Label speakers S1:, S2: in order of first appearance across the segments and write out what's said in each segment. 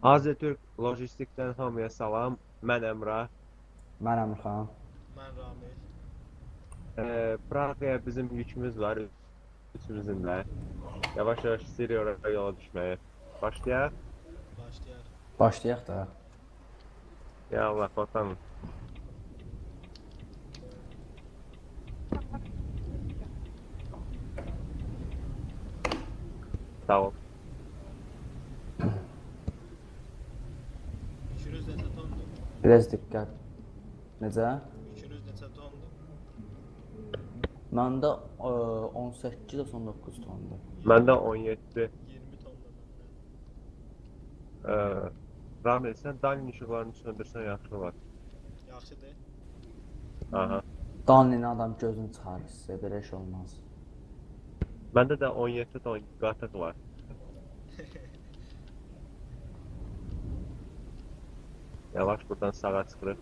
S1: Azətürk Lojistikdən hamıya salam. Mən Əmrah.
S2: Mən Əmirxan.
S3: Mən Ramil.
S1: Praqaya bizim yükümüz var. Üçümüzün də. Yavaş-yavaş istəyirik yola düşməyə. Başlayaq.
S3: Başlayaq.
S2: Başlayaq da.
S1: Ya Allah, bakalım. Sağ ol.
S3: Yükünüz neçə tondur?
S2: Biraz diqqət. Necə?
S3: Yükünüz neçə tondur?
S2: Məndə 18-19 tondur.
S1: Məndə 17.
S3: 20 tondur məndə.
S1: Ramil, sən dalin işıqlarını söndürsən yaxşı olar.
S3: Yaxşıdır.
S1: Aha.
S2: Danlini adam gözünü çıxarır sizə, belə iş olmaz.
S1: Məndə də 17 ton qatıq var. Yavaş buradan sağa çıxırıq.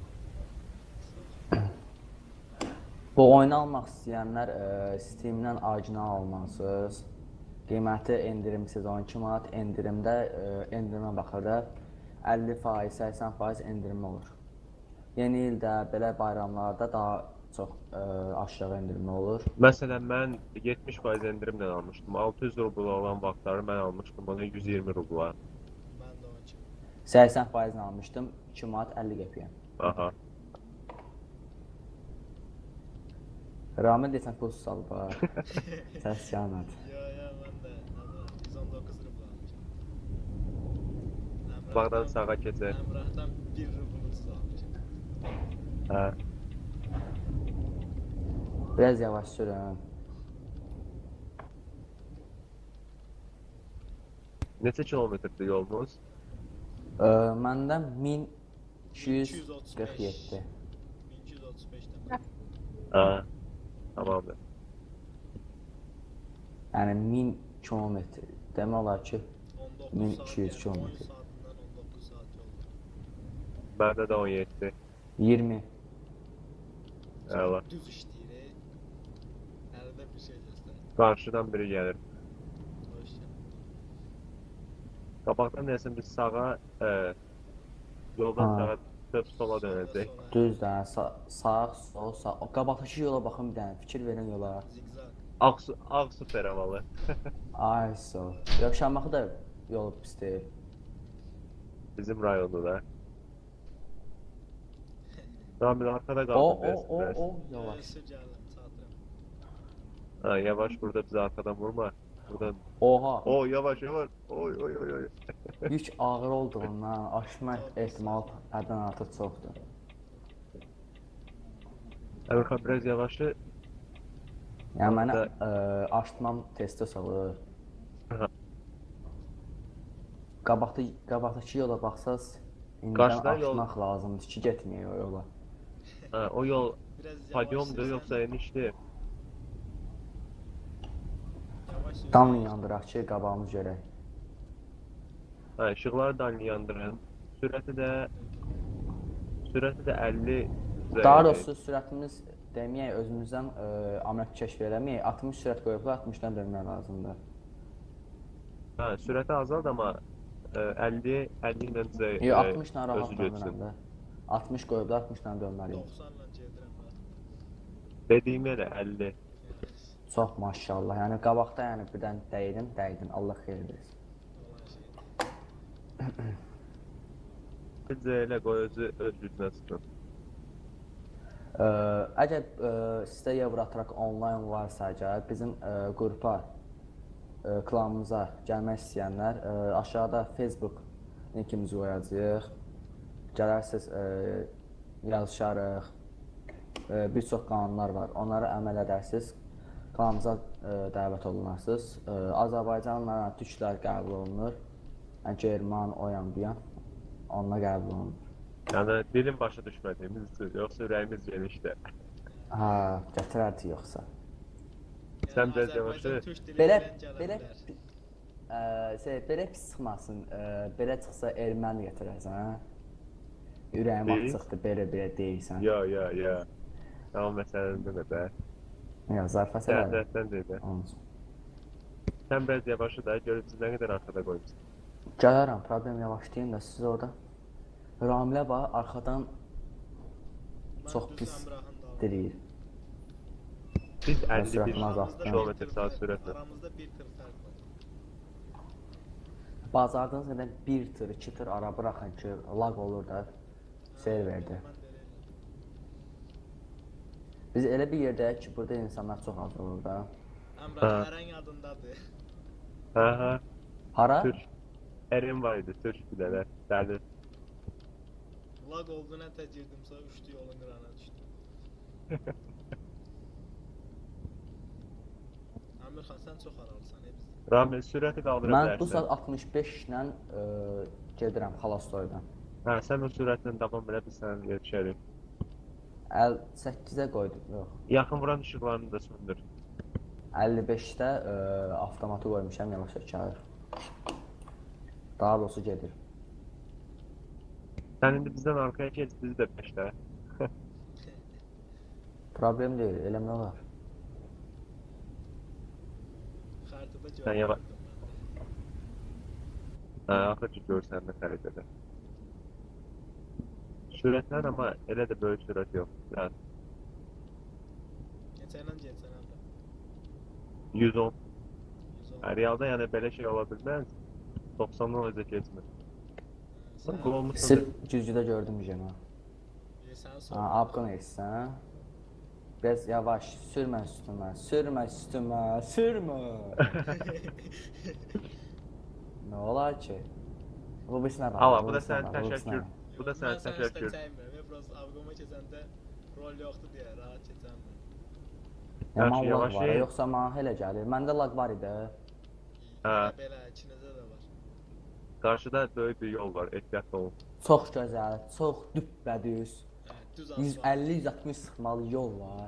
S2: Bu oyunu almaq istəyənlər Steam-dən orijinal almalısınız. Qiyməti endirim siz 12 manat, endirimdə endirimə baxırda 50%, 80% endirim olur. Yeni ildə, belə bayramlarda daha çox aşağı endirimli olur.
S1: Məsələn, mən 70% endirimlə almışdım. 600 rubl olan vaxtları mən almışdım onu 120 rubla.
S3: Mən də onun kimi.
S2: 80% almışdım, 2 manat 50 qəpiyə.
S1: Aha.
S2: Ramil desən pul salıb ha. Səs yanad.
S3: Ya, mən də 119 rubl almışam.
S1: Bağdan sağa keçək.
S3: Əmrahdan 1 rublusuz almışam.
S1: Hə.
S2: Biraz yavaş sürün.
S1: Neçə kilometrdir yolumuz?
S2: Məndən 1247.
S3: 1235-dən.
S1: Hə. Tamamdır.
S2: Yəni 1000 kilometr. Demək olar ki
S3: 19
S2: 1200
S3: saat,
S2: kilometr.
S3: 10 saatından 19 saat yoldur.
S1: Məndə də 17.
S2: 20.
S1: Əla.
S3: Düz işləyir. Əldə bir şey göstərir.
S1: Qarşıdan biri gəlir.
S3: Hoş gəldin.
S1: Qabaqdan deyəsən biz sağa, yoldan
S2: Ha.
S1: sağa dönüb sola dönəcək.
S2: Düz də sağ, sol, sağ. O qabaqdakı yola baxın bir dənə, fikir verin yola.
S3: Zigzag.
S1: Ağsu feravalı.
S2: Ay sol. Yox, Şamaxı da yolu pis deyil.
S1: Bizim rayonda da. Ramil arkada
S2: O,
S1: qaldı biraz.
S2: yavaş.
S3: Sür gəldim, çatırım.
S1: Ha, yavaş burada bizi arkadan vurma. Buradan.
S2: Oha,
S1: O yavaş yavaş. Oy oy oy oy.
S2: yük ağır olduğundan aşmaq ehtimal həddən artıq çoxdur.
S1: Əmirxan biraz yavaşı.
S2: Yəni mənə
S1: Orada-
S2: aştmam testi salır.
S1: Aha.
S2: Qabaqdakı yola baxsaz, indidən
S1: Qarşıdan yol-
S2: aşmaq lazımdır ki, getməyək o yola.
S1: Ha, o yol
S3: Biraz yavaş
S1: padyomdur
S3: sürsən-
S1: yoksa enişli.
S3: Yavaş sürsən-
S2: Damla yandıraq ki, qabağımız görək.
S1: Ha, ışıqları da yandırın. Sürəti də 50.
S2: Daha doğrusu sürətimiz deməyək, özümüzdən amət kəşf eləməyək, 60 sürət qoyublar, 60-dan dönmək lazımdır.
S1: Ha, sürəti azald amma 50 ilə bizə
S2: Yox, 60-dan
S1: özü
S2: rahat
S1: götürsün.
S2: dönürəm də. 60 qoyublar, 60-dan dönməliyik.
S3: 90-la gedirəm mən.
S1: Dediyim yerə 50.
S2: Çox maşallah. Yəni qabaqda yəni birdən dəydin. Allah xeyir versin.
S3: Olan şey.
S1: Bizə elə qoy özü öz gücünə çıxsın.
S2: Əgər sizdə Eurotrack onlayn varsa, əgər bizim qrupa, klanımıza gəlmək istəyənlər aşağıda Facebook linkimizi qoyacağıq. Gələrsiniz, yazışarıq. Bir çox qanunlar var. Onlara əməl edərsiniz. Klanımıza dəvət olunarsınız. Azərbaycanla türklər qəbul olunur. Yəni German, o yan bu yan. Onunla qəbul olunur.
S1: Yəni dilim başa düşmədiyimiz üçün, yoxsa ürəyimiz genişdir.
S2: Ha, gətirərdi yoxsa.
S1: Sən biraz yavaşı.
S2: Belə pis çıxmasın, belə çıxsa erməni gətirərsən, hə? Ürəyim açıqdır, belə deyirsən.
S1: Ya. Tamam məsələndə də bə.
S2: Ya, zarfat elədim.
S1: Sən deyil. Sən biraz yavaşı da görürsün nə qədər arxada qoymuşsun.
S2: Gələrəm, problem yavaşlayın da siz orada. Ramilə var, arxadan
S3: Mən
S2: çox
S3: düz
S2: pis
S3: Əmrahın dalında.
S2: diriyir.
S1: Biz
S2: Ben
S1: 51
S2: süratini azalttım.
S1: kilometre saat süratle.
S3: Aramızda bir tır fərq var.
S2: Bazardınız qədər 1 tır, 2 tır ara bıraxın ki, lag olur da serverdə.
S3: Mən də elə.
S2: Biz elə bir yerdəyik ki, burada insanlar çox az olur da.
S3: Əmrah Ərən yadındadır.
S1: Ha,
S2: Hara?
S1: Türk. Erim var idi, Türk bir tane. Derdi.
S3: Lag oldu nə təcridimsə uçdu yolun qırağına düşdü. Əmirxan sən çox aralısan biz.
S1: Rami sürəti qaldıra
S2: Mən bu
S1: bilərsən.
S2: saat 65 ilə gedirəm Xalastoydan.
S1: Ha, sən o sürətlə davam belə biz sənə yetişərik.
S2: 8-ə qoydum, yox.
S1: Yaxın vuran işıqlarını da söndür.
S2: 55-də avtomatı qoymuşam, yavaş çağır. Daha doğrusu gedir.
S1: Sən indi bizdən arkaya keç, bizi də peşlə.
S2: Problem deyil, eləmə olar.
S3: Xəritədə
S1: Sən
S3: görürəm.
S1: yavaş. Ha, axır ki görsən də xəritədə. Sürətlər amma elə də böyük sürət yox. Biraz
S3: Neçə ilə getsən Əmrah?
S1: 110.
S3: 110.
S1: Ha, realda yəni belə şey ola bilməz. 90-dan özə keçmir. Sən qol olmuşsun.
S2: Sırf güzgüdə gördüm Jena.
S3: Sən
S2: Ha,
S3: sor.
S2: abqon etsən. Biraz yavaş, sürmə üstümə, sürmə üstümə, sürmə. Nə olar ki? Bu birisine bak.
S1: Allah, bu da
S2: birisine
S1: sənin
S2: bak, bu birisine
S1: təşəkkür.
S2: bak.
S1: Bu da sənin
S3: Mən sən üstə
S1: təşəkkür.
S3: çəkmirəm. Biraz avqoma keçəndə rol yoxdur deyə rahat keçəmirəm.
S2: Yaman
S1: Yaxşı,
S2: lag
S1: yavaş
S2: var,
S1: ye.
S2: yoxsa mənə elə gəlir. Məndə lag var idi.
S1: Ha.
S3: Belə ikinizdə də var.
S1: Qarşıda böyük bir yol var, ehtiyatlı olun.
S2: Çox gözəl, çox düppədüz.
S3: Düz asfalt.
S2: 150-160 sıxmalı yol var.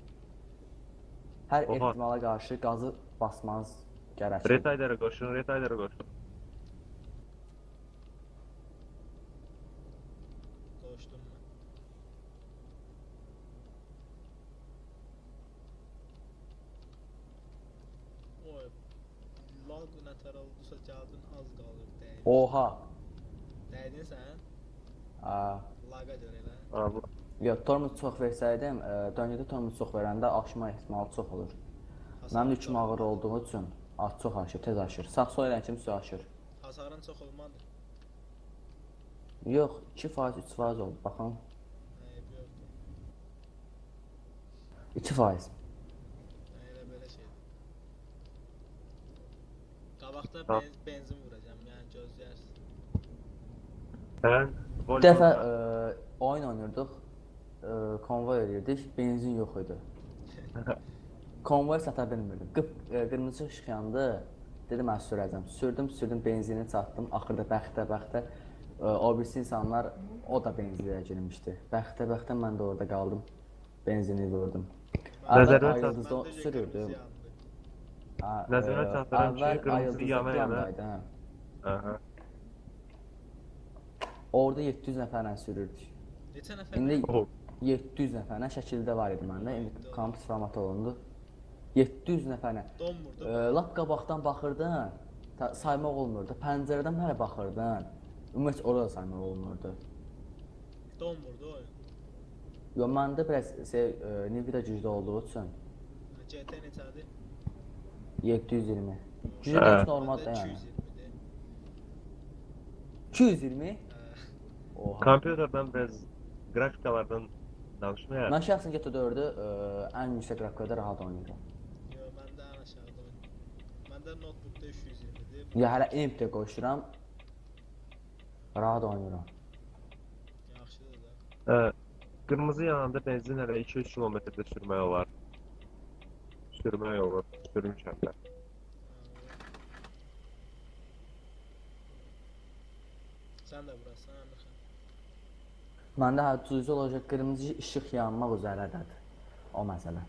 S2: Hər
S1: Oha.
S2: ehtimala qarşı qazı basmanız gərəkir.
S1: Retaylərə qoşun, retaylərə qoşun.
S3: Qoşdum mən. Oy. Lag nətər oldusa gəldin az qalır dəydin.
S2: Oha.
S3: Dəydin sən?
S2: Aa.
S3: Laga görə elə.
S1: Allah.
S2: Yox, tormuz çox versəydim, döngədə tormuz çox verəndə aşma ehtimalı çox olur. Mənim yüküm ağır olduğu üçün çox aşır, tez aşır. Sağ-sol elən kimi su aşır.
S3: Hasarın çox olmadı.
S2: Yox, 2%, 3% oldu, baxın.
S3: Yoxdur.
S2: 2%.
S3: Elə belə şeydir. Qabaqda
S1: Ha.
S3: benzin vuracağam, yəni gözləyərsən.
S1: Sən
S2: Bir dəfə oyun oynayırdıq, konvoy edirdik, benzin yox idi. Konvoy sata bilmirdim. Qırmızı ışıq yandı, dedim mən sürəcəm. Sürdüm, benzini çatdım. Axırda bəxtə o birisi insanlar o da benzinliyə girmişdi. Bəxtə mən də orada qaldım. Benzini vurdum.
S1: Nəzərə
S2: Əvvəl
S1: çat-
S2: Ayıldızda sürürdüm.
S1: Nəzərə çatdıran ki,
S2: Əvvəl
S1: qırmızı
S2: Ayıldızda
S1: yana yana.
S2: plandaydı, hə.
S1: Aha.
S2: Orada 700 nəfərlə sürürdük.
S3: Neçə nəfər?
S2: İndi
S1: Oh.
S2: 700 nəfərlə şəkildə var idi məndə. İndi kampüs formatı olundu. 700 nəfərlə.
S3: Donmurdu.
S2: Lap qabaqdan baxırdın, saymaq olmurdu. Pəncərədən mənə baxırdın. Ümumiyyətlə orada saymaq olmurdu.
S3: Donmurdu oyun.
S2: Yox, məndə biraz Nvidia güclü olduğu üçün
S3: GT neçədir?
S2: 720. Güclü
S1: Hə.
S2: heç normaldır
S3: Məndə
S2: yəni.
S3: 220-dir.
S2: 220? Oha.
S1: Kompüterdən biraz qrafikalardan danışmayaq.
S2: Mən şəxsən GT4-ü ən yüksək qrafikada rahat oynayıram.
S3: Yox, məndə ən aşağıda oyun. Məndə notebookda 320-dir.
S2: Ya hələ MT qoşuram. Rahat oynayıram.
S3: Yaxşıdır da.
S1: Qırmızı yananda benzin hələ 200 kilometrdə sürmək olar. Sürmək olur, sürmüşəm də.
S3: Sən də burasın, Əmirxan.
S2: Məndə hələ düzgün olacaq qırmızı işıq yanmaq üzərədədir. O məsələ.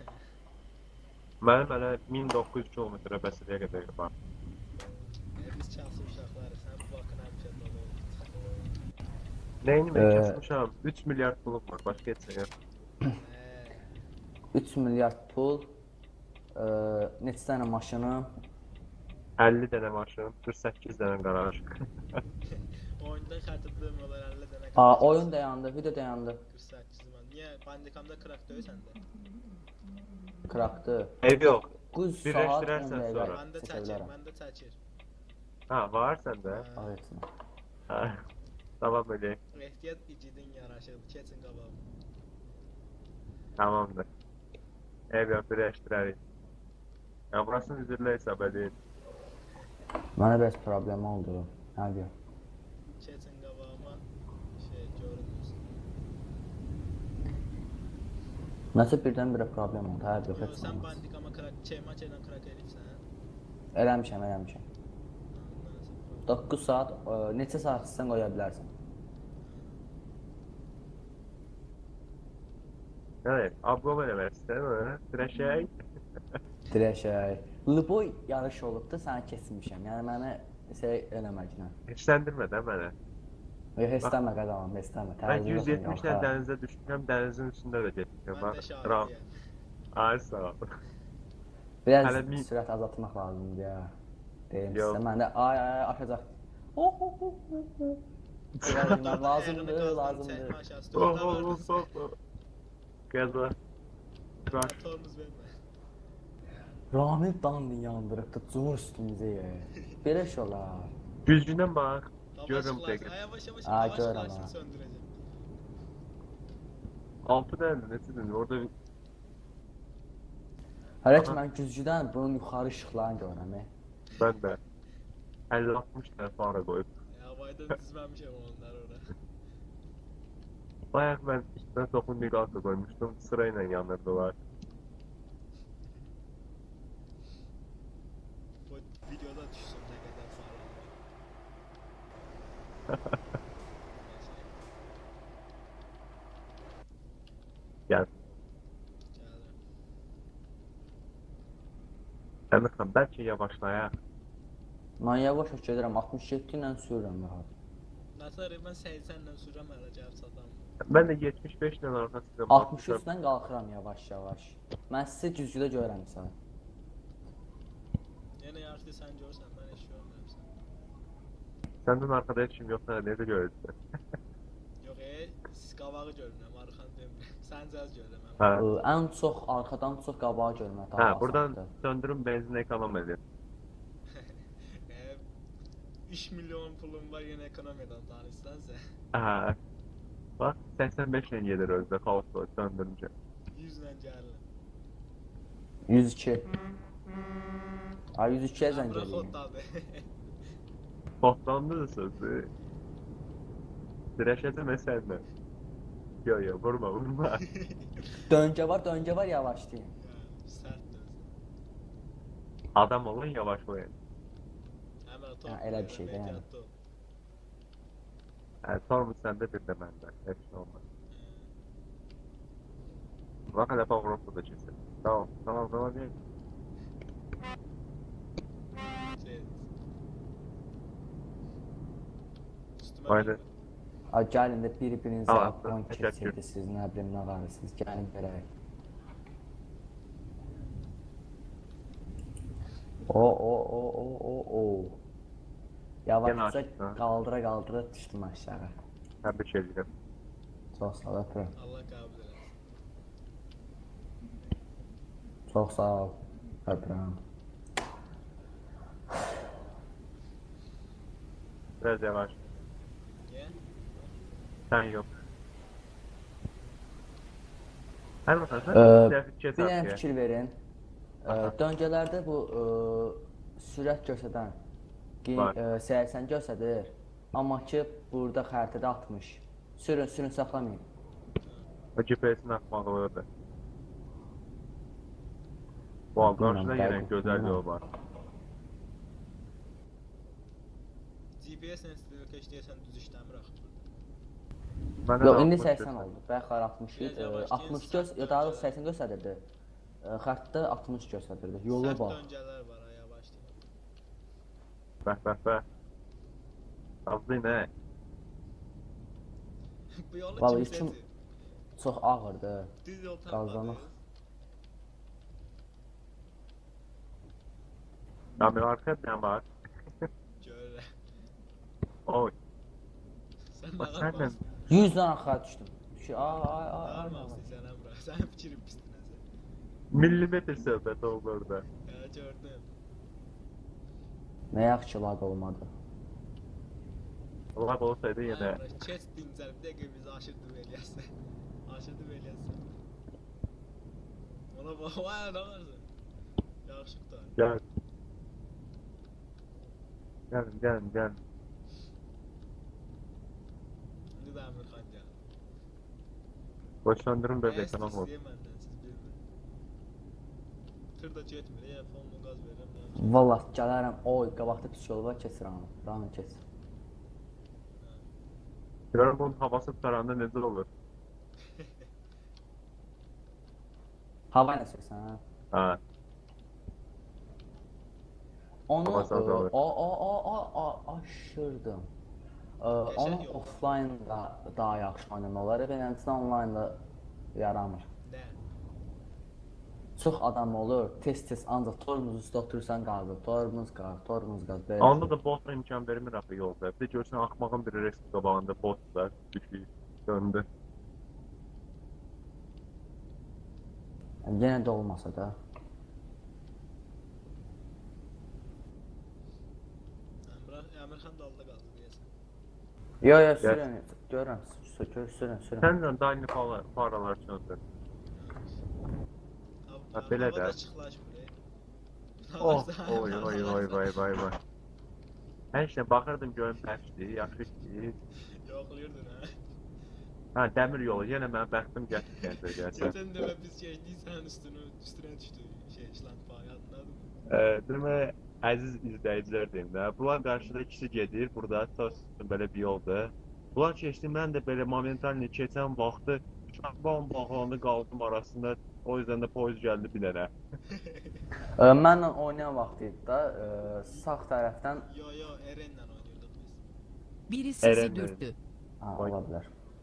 S1: Mənim hələ 1900 kilometrə bəsəliyə qədər var.
S3: Biz çalsız uşaqlarıq, sən bu vaxtın həmişə dolu olur.
S1: Nəyini mən
S2: Ee,
S1: kəsmişəm? 3 milyard pulum var, başqa heç nə yox.
S2: 3 milyard pul, neçə dənə maşınım,
S1: 50 dənə maşın, 48 dənə qaraj.
S3: Oyunda xatırlamıyorlar 50 dənə
S2: Aa,
S3: qaraj.
S2: oyun dayandı, video dayandı.
S3: 48 man. Niyə bandikamda krak döy səndə?
S2: Kraktı.
S1: Ev yox.
S2: 9 saat 10
S1: Birləşdirərsən
S2: dəqiqə
S1: sonra.
S3: Məndə
S2: çəkə
S3: çəkir,
S2: bilərəm.
S3: məndə çəkir.
S1: Ha, var səndə?
S2: Evet.
S1: Ha. Tamam öyle.
S3: Ehtiyat icidin yaraşır, keçin qabağım.
S1: Tamamdır. Ev yox, birləşdirərik. Ya burasını üzürlə hesab edin.
S2: Mənə bəs problem oldu. Nə deyim?
S3: Keçin qabağıma şey görünmürsün.
S2: Nəsə birdən-birə problem oldu. Hər yox,
S3: Yo,
S2: heç
S3: sən
S2: olmaz.
S3: bandikama krak, çeymaçayla krak eləyibsən.
S2: Eləmişəm. 9 saat, neçə saat istəsən qoya bilərsən.
S1: Evet, ablam eləmək istəyir, dirəşək.
S2: Dirəşək. Luboy yarış olubdu, səni keçmişəm. Yəni məni şey eləməklə.
S1: Heçləndirmə də mənə.
S2: Yox, istəmə qazanam, istəmə.
S1: Ben 170 ilə dənizə düşmüşəm, dənizin üstündə də getmişəm.
S3: Mən də şahidiyəm.
S1: Ay sağ ol.
S2: Biraz
S1: Hələ bir-
S2: sürət azaltmaq lazımdır ya. Deyim
S1: Yox.
S2: sizə, mən də ay aşacaq. Lazımdır.
S1: Qəza. Bak,
S3: Motorumuz vermə.
S2: Ramil danını yandırıbdı, cumur üstümüzə ya. Belə şey olar.
S1: gücünə bax. Görürüm
S3: Hava
S1: dəqiq.
S3: şıklar, yavaş yavaş
S2: Aa,
S3: hava
S2: görürəm
S3: şıklarını
S2: ha.
S3: söndüreceğim.
S1: 6 dənədir, neçədir? Orada
S2: Hələ ki mən güzgüdən bunun yuxarı işıqlarını görürəm.
S1: mən də 50-60 dənə fara qoyub.
S3: Havayda dizməmişəm onları oraya.
S1: Bayaq mən üstünə toxun miqası qoymuşdum, sırayla yanırdılar.
S3: Bu videoda düşsün ne kadar fare var.
S1: Gəl.
S3: Geldim.
S1: Əmirxan, bəlkə yavaşlayaq.
S2: Mən yavaş gedirəm, 67 ilə sürürəm rahat.
S3: Nasıl ben 80'le sürəm hələ gəlib çatam.
S1: Mən də 75 ilə arxasında
S2: 63-dən qalxıram yavaş-yavaş. Mən sizi güzgüdə görürəm sən.
S3: Yenə yarışda sən görsən, mən heç görmürəm.
S1: Səndən arxada heç kim yoxsa necə görürsən?
S3: Yox, siz qavağı görürəm, arxanı demirəm. Sən cəz görürəm.
S1: Hə.
S2: Ən çox arxadan çox qabağa görmək daha
S1: Hə,
S2: asandır.
S1: buradan söndürün benzin ekonom edin.
S3: 3 milyon pulum var yenə ekonomiyadan danışsansə.
S1: Hə. Bax, 85 ilə gedir özdə, kaos var, söndürüncə.
S3: 100 ilə gəlir.
S2: 102. Ay 102-yə zəng
S3: Əmrə
S2: eləyim.
S3: xoddadır.
S1: Potlandı da sözü. Dirəşəcəm əsərlə. Yo, vurma.
S2: Döngə var yavaşlayın.
S3: Sərtdir.
S1: Adam olun, yavaşlayın.
S3: Əmrə
S2: Ha, elə bir şey də yəni.
S1: Hə, sormuş səndə bir də məndə. Heç nə olmaz. Bax, hələ Avropa da keçir. Tamam, deyil. Aynen.
S2: Ay gəlin də bir-birinizə
S1: Tamam,
S2: on
S1: təşəkkür.
S2: keçirdiniz, nə bilim nə varırsınız, gəlin görək. O. Yavaşca
S1: aşağı.
S2: qaldıra düşdüm aşağı.
S1: Təbrik edirəm.
S2: Çox sağ ol, öpürəm.
S3: Allah qəbul eləsin.
S2: Çox sağ ol, öpürəm.
S1: Biraz yavaş.
S3: Niyə?
S1: Sən yox. Hər baxan, sən trafik
S2: Bir dənə
S1: keçər.
S2: fikir verin. Döngələrdə bu sürət göstərən
S1: Var.
S2: 80 göstərir. Amma ki burada xəritədə 60. Sürün saxlamayın.
S1: O GPS-in atmağı orada. Wow, qarşıda yenə gözəl yol var.
S3: GPS-lə istiyor keçdiyəsən düz işləmir axı burada.
S1: Məndə
S2: Yox,
S1: də
S2: indi
S1: 60
S2: 80 oldu. Bəxər 60
S3: Biraz yavaş
S2: 60
S3: deyil,
S2: göz,
S3: sərt
S2: ya daha
S3: döngələr.
S2: doğrusu 80 göstərirdi. Xəttdə 60 göstərirdi. Yolu
S3: Sərt
S2: bax.
S3: döngələr var ha, yavaş deyil.
S1: Bəh. Azdı nə?
S3: Bu yolu
S2: Vallahi
S3: kim
S2: içim-
S3: seçir?
S2: Çox ağırdı.
S3: Düz yol
S2: Qazanaq.
S3: tapmadınız.
S1: Kamera arkada ne var?
S3: Görürəm.
S1: Oy.
S3: Sən
S1: Bak
S3: nə
S1: sen de
S3: qarmaqsın?
S2: 100 dənə arxaya düşdüm. Ay ay
S3: Nə
S2: ay ay.
S3: qarmaqsın sən Əmrə? Sənin fikrin pisdir nəsə.
S1: millimetre söhbət oldu orada.
S3: Hə, gördüm.
S2: Nə yaxşı ki lag olmadı.
S1: Allah olsaydı yine.
S3: Əmrə, keç dincəl, bir dəqiqə bizi aşırdı eləyəsən. Aşırdı eləyəsən. Ona bax, vay, nə varsa. Yaxşı qutar.
S1: Gel. Gelin.
S3: İndi də Əmirxan gəlir.
S1: Boşlandırın
S3: Nə
S1: böyle tamam oldu.
S3: istəyir məndən, siz bilmir. Tır da getmir, fonmu qaz verirəm.
S2: Vallah gələrəm. Oy, qabaqda pis yol var, keçirəm. Ranı keç.
S1: Görün bunun havası tutaranda necə olur?
S2: Hava nə sürsən, hə?
S1: Ha.
S2: Onu
S1: Hava sağlığı.
S2: aşırdım.
S3: Qəşəng
S2: Onu
S3: yol.
S2: offline da daha yaxşı oynamaq olar. Beləncə online da yaramır.
S3: Nə?
S2: Çox adam olur, tez ancaq tormuz üstə oturursan qaldı. Tormuz qal, belə.
S1: Onda da bot imkan vermir axı yolda. Bir də görsən axmağın biri reski qabağında bot var, düşüyor, döndü.
S2: Yəni, yenə də olmasa da.
S3: Əmirxan da alda qaldı deyəsən.
S2: Yo, sürün, görürəm, sürün.
S1: Səndən daimi paralar söndür. Ha, belə də.
S3: Havada çıxlaşmır,
S1: Oh, vay. Hər şeyə baxırdım görüm bəxtdir, yaxşı işdir.
S3: Yoxlayırdın, hə?
S1: Ha, dəmir yolu, yenə mənim bəxtim gətirdi gəlsən.
S3: Geçen dəfə biz keçdik, sənin üstünə düşdü şlanqfa, yadındadır mı?
S1: Demək, əziz izləyicilər deyim də, bunlar qarşıda ikisi gedir, burada belə bir yoldur. Bunlar keçdi, mən də belə momentalni keçən vaxtı şlanqban bağlandı qaldım arasında, o yüzden də poyuz gəldi bir dənə.
S2: Mənlə oynayan vaxt idi da, sağ tərəfdən
S3: Yo, Eren'lə oynuyorduk biz.
S4: Biri sizi
S1: Eren,
S4: dürttü.
S2: ola bilər.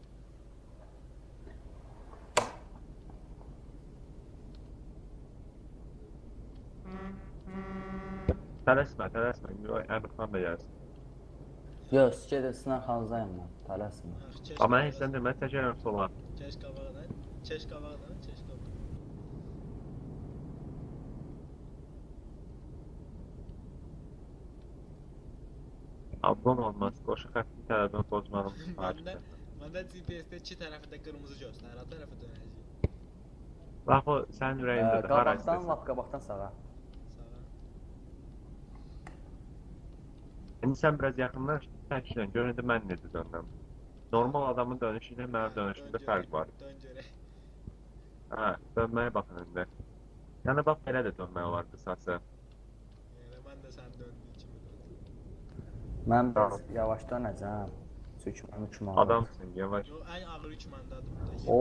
S1: Tələsmə, Əmirxan da gəlsin.
S2: Yox, gedir, Sinan xanızayım mən, tələsmə.
S1: Amma heç sən demə, çəkərəm sola.
S3: Keş qabağdan.
S1: Ablam olmaz, qoşu xətti tərəfdən pozmalım.
S3: Məndə GPS-də iki tərəfində qırmızı göstərir, o tərəfə dönəcək.
S1: Bax o, sənin ürəyindədir, hara
S2: Qabaqdan,
S1: istəsin.
S2: lap qabaqdan sağa.
S3: Sağa.
S1: İndi sən biraz yaxınlaş, təklə, gör indi mən necə döndüm. Normal adamın dönüşü ilə mənim dönüşümdə fərq var.
S3: Dön görək.
S1: Hə, dönməyə baxın indi. Yəni bax, belə də dönmək olar qısası.
S3: Yəni, mən də sən döndüyün kimi döndüm.
S2: Mən biraz yavaş dönəcəm. Çünki mənim üçün olur.
S1: Adamsın, yavaş.
S3: Yo, ən ağır üç məndadır.
S2: O.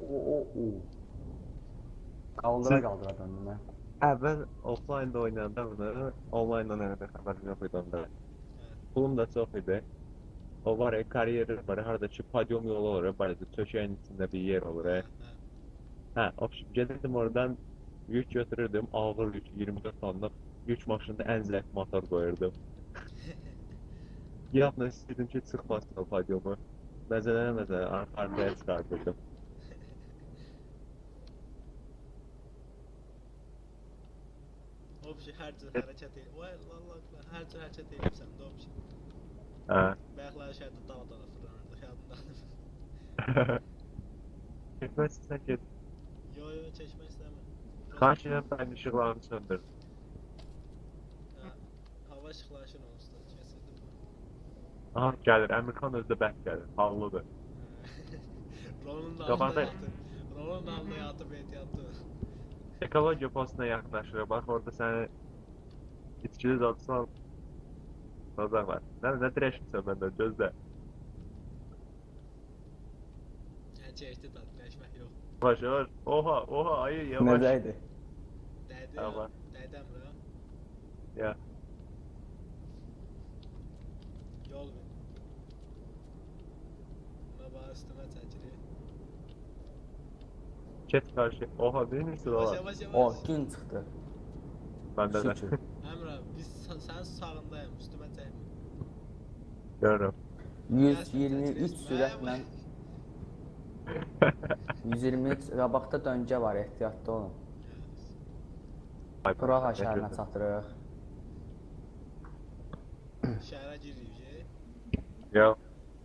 S2: Qaldıra döndüm mən.
S1: Əvvəl offline-da oynayanda bunu, online-dan elədə xəbərim yox idi onda. Pulum da çox idi. O var ya, kariyeri var, harada ki, podium yolu olur, barədə çökəyin içində bir yer olur. Hə, gedirdim oradan, yük götürürdüm, ağır yük, 24 tonluq yük maşında ən zəif motor qoyurdum. Yapma istəyirdim ki, çıxmasın o podiumu. Məzələnə arkaya çıxardırdım.
S3: Obşi, hər cür hərəkət edir. Vay, Allah, hər cür hərəkət edirsən də obşi.
S1: Hə.
S3: Bəyəklər şəhərdə dala fırlanırdı, yadındadır.
S1: Getməzsən sən get.
S3: Yo, çəkmək istəmir.
S1: Xahiş edirəm, sən işıqlarını söndür.
S3: Hava işıqlaşır onsuz da, kesildim.
S1: Aha, gəlir, Əmirxan özü də bəhk gəlir, ağlıdır.
S3: Rolun da
S1: Qabaqda-
S3: altında yatıb ehtiyatlı.
S1: Ekologiya postuna yaxınlaşır, bax orada səni içkili zadsal Nazar var. Nə dirəşmirsən məndən, gözlə.
S3: Çəkdi dad, dəyişmək yox.
S1: Yavaş, oha, ayı, yavaş.
S2: Necə idi?
S3: Dəydi
S1: Tamam.
S3: ya, dəydi Əmrə.
S1: Ya,
S3: Yol ver. Buna bax, üstümə çəkilir.
S1: get qarşı. Oha, bilmirsin
S3: Yavaş,
S1: ola.
S3: yavaş,
S2: O,
S3: yavaş.
S2: gün çıxdı.
S1: Məndə də.
S2: Şükür.
S3: Əmrə, biz Baxın, sənin sağındayım, üstümə çəkmə.
S1: Görürüm.
S2: 123 sürətlə 123 qabaqda döngə var, ehtiyatlı olun. Praha şəhərinə çatırıq.
S3: Şəhərə giririk.
S1: Yox.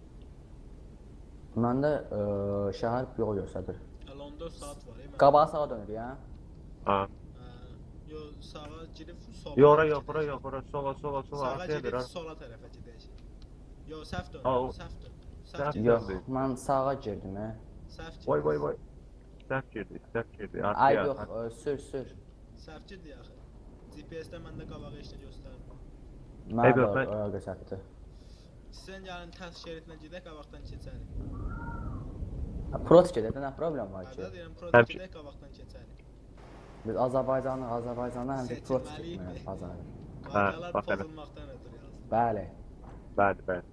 S2: Məndə şəhər yol göstərir.
S3: Hələ 14 saat var.
S2: Qabağa sağa dönür, ya?
S1: Ha.
S3: Yox, sağa girib sola.
S1: Yox, ora, sola,
S3: Sağa
S1: arkaya
S3: girib
S1: bir.
S3: sola tərəfə gedəcək. Yox, səhv dön, səhv dön.
S1: Səhv
S3: Səhv
S2: Yox,
S1: döndü.
S2: mən sağa girdim, hə.
S3: Səhv girdi.
S1: Vay. Səhv girdi.
S2: Ay,
S1: Arkaya.
S2: yox, sür.
S3: Səhv girdi axı. GPS-də məndə qabağa heç nə göstərmir.
S2: Mənə
S1: yox,
S2: də
S1: mən-
S2: göstərdi.
S3: Sən gəlin tərs şeridinə gedək, qabaqdan keçərik.
S2: Prot gedə nə problem var ki?
S3: Hədə deyirəm,
S1: Həmçin-
S3: protest gedək, qabaqdan keçərik.
S2: Biz Azərbaycanı həmişə prot
S3: Seçilməliyik.
S2: getməyə bazarı.
S3: Qaydalar
S1: bax elə.
S3: pozulmaqdan ötürü yazdım.
S2: Bəli.
S1: Bəli.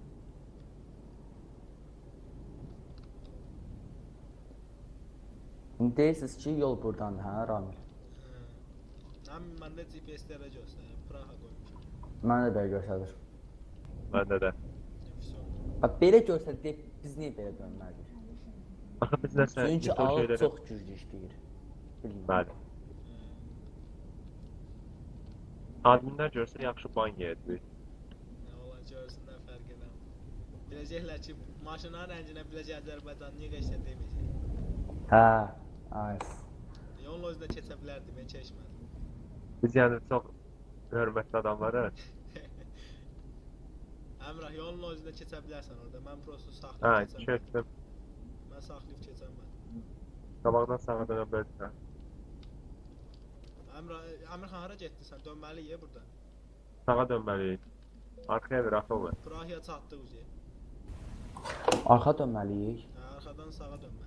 S2: İndi deyirsiniz ki, yol burdandır, hə, Ramil?
S3: Həm məndə GPS-lərə göstərir, Praha qoymuşam.
S2: Mənə də belə göstərir.
S1: Məndə də.
S2: Bax, belə göstərdi, biz niyə belə dönməliyik?
S1: Axı biz nəsə
S2: Çünki
S1: bütün
S2: ağıl
S1: şeyləri...
S2: çox güclü işləyir. Bilmirəm.
S1: Bəli. Adminlər görsə yaxşı ban yeyəcək.
S3: Nə olar görsünlər, fərq edəm. Biləcəklər ki, maşınların rənginə biləcək Azərbaycan niyə qəşə deməyəcək.
S2: Hə, ay.
S3: Yolun özünə keçə bilərdim, mən keçmədim.
S1: Biz yəni çox hörmətli adamları.
S3: Əmrah, yolun özünə keçə bilərsən orada, mən prosto saxlayıb
S1: Hə,
S3: keçəm.
S1: keçdim.
S3: Mən saxlayıb keçəmədim.
S1: Qabaqdan sağa dönə bilərsən.
S3: Əmrxan, hara getdin sən? Dönməliyik burada.
S1: Sağa dönməliyik. Arkaya bir atılır.
S3: Prahaya çatdıq uca.
S2: Arxa dönməliyik.
S3: Hə, arxadan sağa dönməliyik.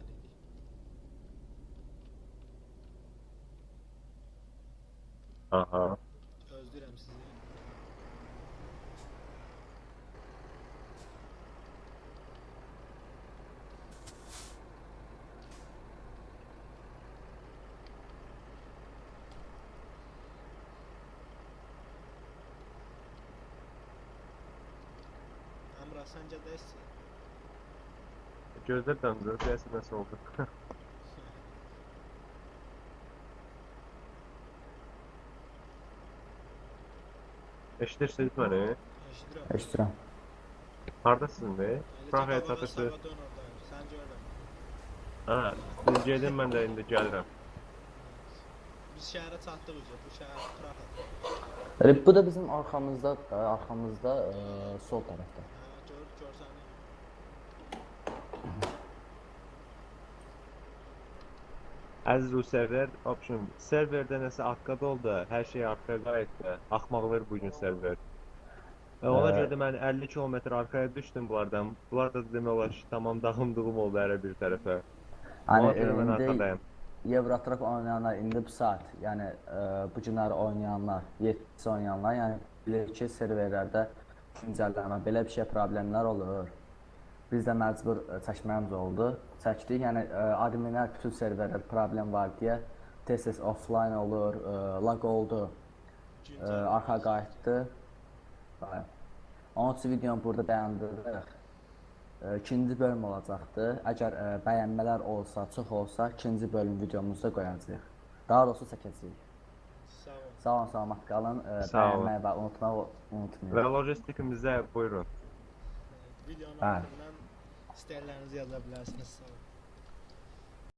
S1: Aha.
S3: Gözləyirəm sizi. Əmrah, səncə dəstək?
S1: Gözlər döndürür, deyəsən nəsə oldu. Eşidirsiniz məni?
S3: Eşidirəm.
S2: Eşidirəm.
S1: Hardasınız be? Prahaya çatırsınız.
S3: Sağa dön oradayım, sən görürəm.
S1: Ha, siz gedin, mən də indi gəlirəm.
S3: Biz şəhərə çatdıq uca, bu şəhər Prahadır.
S2: Bu da bizim arxamızda sol tərəfdə.
S3: Hə, görsən.
S1: Əziz Rusərlər, option, serverdə nəsə arqada oldu, hər şey arxaya qayıtdı. Axmaqlar bugün server. Ona görə də mən 50 kilometr arxaya düşdüm bunlardan. Bunlar da demək olar ki, tamam dağımdığım oldu hər bir tərəfə. Ona görə mən arxadayım.
S2: Eurotrack oynayanlar indi bu saat, yəni bu günləri oynayanlar, 7-ci oynayanlar, yəni bilir ki, serverlərdə güncəllənmə, belə bir şey problemlər olur. Biz də məcbur çəkməyimiz oldu. Çəkdik, yəni adminlər bütün serverlərdə problem var deyə tez-tez offline olur, lag oldu, arxa qayıtdı. Onun üçün videonu burada dayandırırıq. İkinci bölüm olacaqdır. Əgər bəyənmələr olsa, çox olsa, ikinci bölüm videomuzda qoyacağıq. Daha doğrusu çəkəcəyik.
S3: Sağ ol.
S2: Sağ olun, salamat qalın.
S1: Sağ olun.
S2: Bəyənməyi və unutmayın.
S1: Və logistikimizə buyurun.
S3: Videonun
S2: Bəli.
S3: altından istəklərinizi yaza bilərsiniz. Sağ olun.